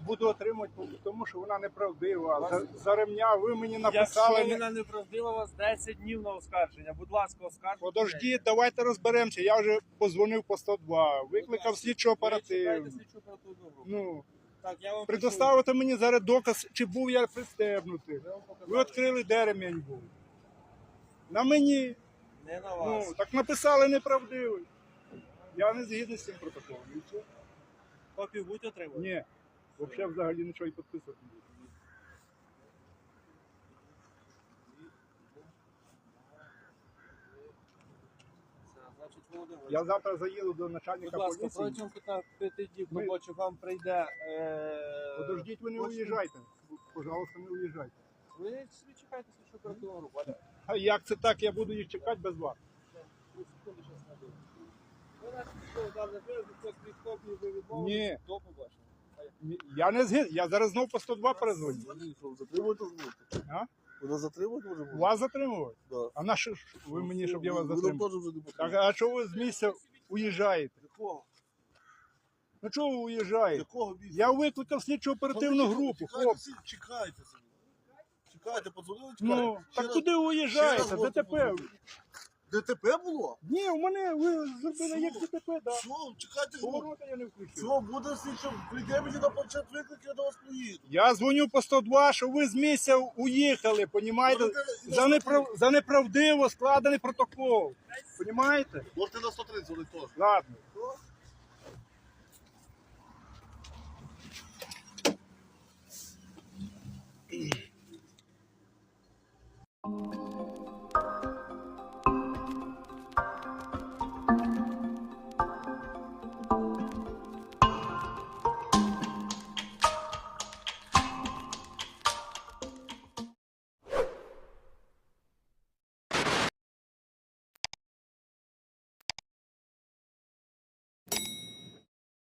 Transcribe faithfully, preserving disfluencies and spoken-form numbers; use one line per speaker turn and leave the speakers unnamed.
буду отримувати, тому що вона неправдива. За, за ремня ви мені написали.
Якщо вона неправдива, у вас десять днів на оскарження. Будь ласка, оскаржуйте.
Подождіть, давайте розберемося. Я вже позвонив по сто два, викликав слідчу оперативну. Ну,
Так, я вам
предоставити мені зараз доказ, чи був я пристебнутий. Ви відкрили, де ремінь був. На мені.
не на вас.
Ну, так написали неправдивий. Я не згідний з цим протоколом. І все.
Копію будете отримувати?
Ні. Взагалі взагалі нічого і підписувати не буду.
Це, значить, Володимир,
Я завтра заїду до начальника
будь ласка,
поліції.
протягом п'яти діб
Ми-
робочих вам прийде... Е...
Подождіть, ви не
почту.
уїжджайте. Пожалуйста, не уїжджайте.
Ви собі чекайте слідчу оперативну групу. Аля.
А як це так, я буду їх чекати без вас?
Ну, секунду, щас найду. Ви наші військові дані виразу, хтось від копії ви відмовили.
Ні.
До побачення.
Ні, я не згідний. Я зараз знову по сто два перезвоню.
Затримувати зможете?
А?
Вона затримувати може бути?
Вас затримувати?
Да.
А на що ж ви мені, щоб я вас
Ви нам
затримав?
теж вже не
Так,
потрібно.
а чого ви з місця уїжджаєте?
Якого?
Ну чого ви уїжджаєте?
Якого місця?
Я викликав слідчу оперативну групу,
Чекайте,
хлопці.
всі, чекайте собі. Чекайте, подзвонили, чекайте.
Ну,
Ще
так
раз-
куди ви
ще
уїжджаєте?
раз можете
ДТП.
подзвонити. ДТП було?
Ні, у мене ви зробили як
Що?
ДТП, да.
Все, чекайте, ну,
Поворота я не включив.
все, буде слідчо, прийде мені на планшет виклик, я до вас приїду.
Я дзвоню по сто два, що ви з місця уїхали, понімаєте?
Можете на
За, неправ... За неправдиво складений протокол. Понімаєте?
Можете на сто тридцять вони теж.
Ладно.
Що?